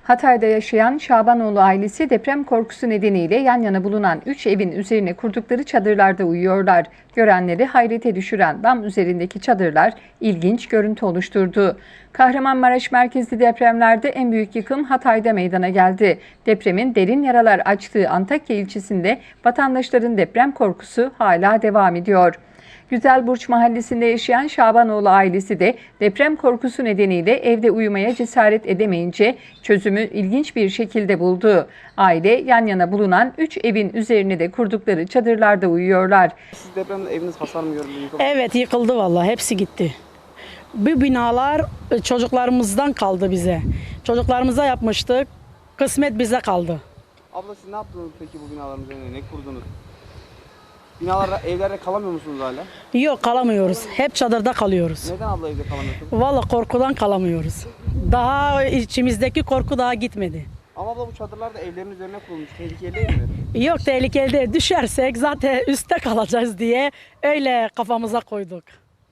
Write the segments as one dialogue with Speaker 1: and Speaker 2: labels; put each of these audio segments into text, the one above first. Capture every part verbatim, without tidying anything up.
Speaker 1: Hatay'da yaşayan Şabanoğlu ailesi deprem korkusu nedeniyle yan yana bulunan üç evin üzerine kurdukları çadırlarda uyuyorlar. Görenleri hayrete düşüren dam üzerindeki çadırlar ilginç görüntü oluşturdu. Kahramanmaraş merkezli depremlerde en büyük yıkım Hatay'da meydana geldi. Depremin derin yaralar açtığı Antakya ilçesinde vatandaşların deprem korkusu hala devam ediyor. Güzelburç mahallesinde yaşayan Şabanoğlu ailesi de deprem korkusu nedeniyle evde uyumaya cesaret edemeyince çözümü ilginç bir şekilde buldu. Aile yan yana bulunan üç evin üzerine de kurdukları çadırlarda uyuyorlar.
Speaker 2: Siz depremde eviniz hasar mı gördü? Yıkıldı?
Speaker 3: Evet, yıkıldı vallahi, hepsi gitti. Bu binalar çocuklarımızdan kaldı bize. Çocuklarımıza yapmıştık, kısmet bize kaldı.
Speaker 2: Abla siz ne yaptınız peki bu binaların üzerine? Ne kurdunuz? Binalarda, evlerde kalamıyor musunuz hala?
Speaker 3: Yok, kalamıyoruz. Hep çadırda kalıyoruz.
Speaker 2: Neden abla evde kalamıyorsunuz?
Speaker 3: Vallahi korkudan kalamıyoruz. Daha içimizdeki korku daha gitmedi.
Speaker 2: Ama abla bu çadırlar da evlerin üzerine kurulmuş. Tehlikeli değil mi?
Speaker 3: Yok, tehlikeli değil. Düşersek zaten üstte kalacağız diye öyle kafamıza koyduk.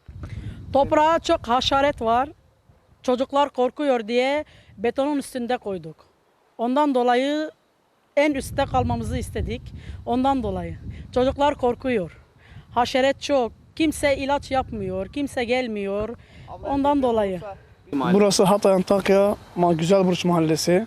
Speaker 3: Toprağa çok haşaret var. Çocuklar korkuyor diye betonun üstünde koyduk. Ondan dolayı en üstte kalmamızı istedik. Ondan dolayı. Çocuklar korkuyor. Haşeret çok. Kimse ilaç yapmıyor. Kimse gelmiyor.
Speaker 2: Abla,
Speaker 3: Ondan
Speaker 2: deprem
Speaker 3: dolayı.
Speaker 2: olursa-
Speaker 4: Burası Hatay Antakya Ma- Güzelburç Mahallesi.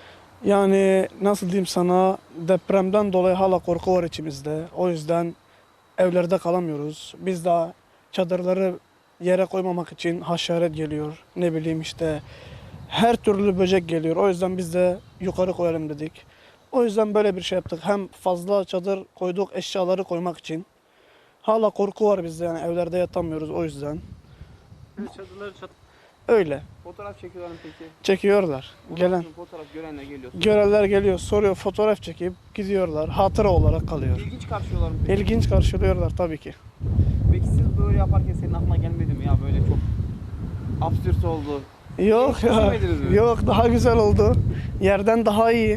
Speaker 4: Yani nasıl diyeyim sana, depremden dolayı hala korku var içimizde. O yüzden evlerde kalamıyoruz. Biz de çadırları yere koymamak için haşeret geliyor. Ne bileyim işte her türlü böcek geliyor. O yüzden biz de yukarı koyalım dedik. O yüzden böyle bir şey yaptık. Hem fazla çadır koyduk eşyaları koymak için. Hala korku var bizde, yani evlerde yatamıyoruz o yüzden.
Speaker 2: Çadırları çat...
Speaker 4: Öyle.
Speaker 2: Fotoğraf çekiyorlar mı peki?
Speaker 4: Çekiyorlar. Gelen
Speaker 2: Fotoğraf görenler geliyor.
Speaker 4: görenler geliyor, soruyor, fotoğraf çekip gidiyorlar. Hatıra olarak kalıyor.
Speaker 2: İlginç karşılıyorlar mı peki?
Speaker 4: İlginç karşılıyorlar tabii ki.
Speaker 2: Peki siz böyle yaparken senin aklına gelmedi mi ya, böyle çok absürt oldu?
Speaker 4: Yok
Speaker 2: Hiç
Speaker 4: ya.
Speaker 2: düşünmediniz mi?
Speaker 4: Yok, daha güzel oldu. Yerden daha iyi.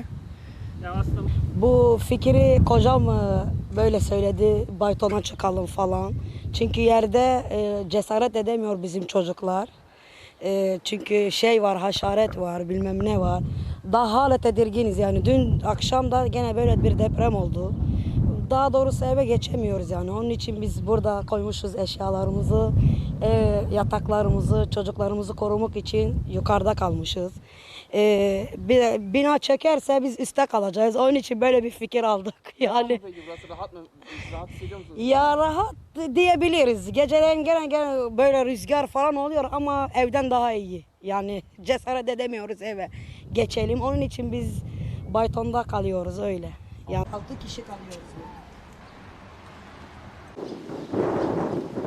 Speaker 5: Bu fikri kocam e, böyle söyledi, Bayton'a çıkalım falan. Çünkü yerde e, cesaret edemiyor bizim çocuklar. E, çünkü şey var, haşaret var, bilmem ne var. Daha hala tedirginiz yani. Dün akşam da gene böyle bir deprem oldu. Daha doğrusu eve geçemiyoruz yani. Onun için biz burada koymuşuz eşyalarımızı, e, yataklarımızı, çocuklarımızı korumak için yukarıda kalmışız. E, bir, bina çekerse biz üstte kalacağız. Onun için böyle bir fikir aldık yani.
Speaker 2: Peki burası rahat mı? Rahat hissediyor musunuz?
Speaker 5: Ya rahat diyebiliriz. Geceleyin gene gene böyle rüzgar falan oluyor ama evden daha iyi. Yani cesaret edemiyoruz eve geçelim. Onun için biz Bayton'da kalıyoruz öyle. Yani altı kişi kalıyoruz.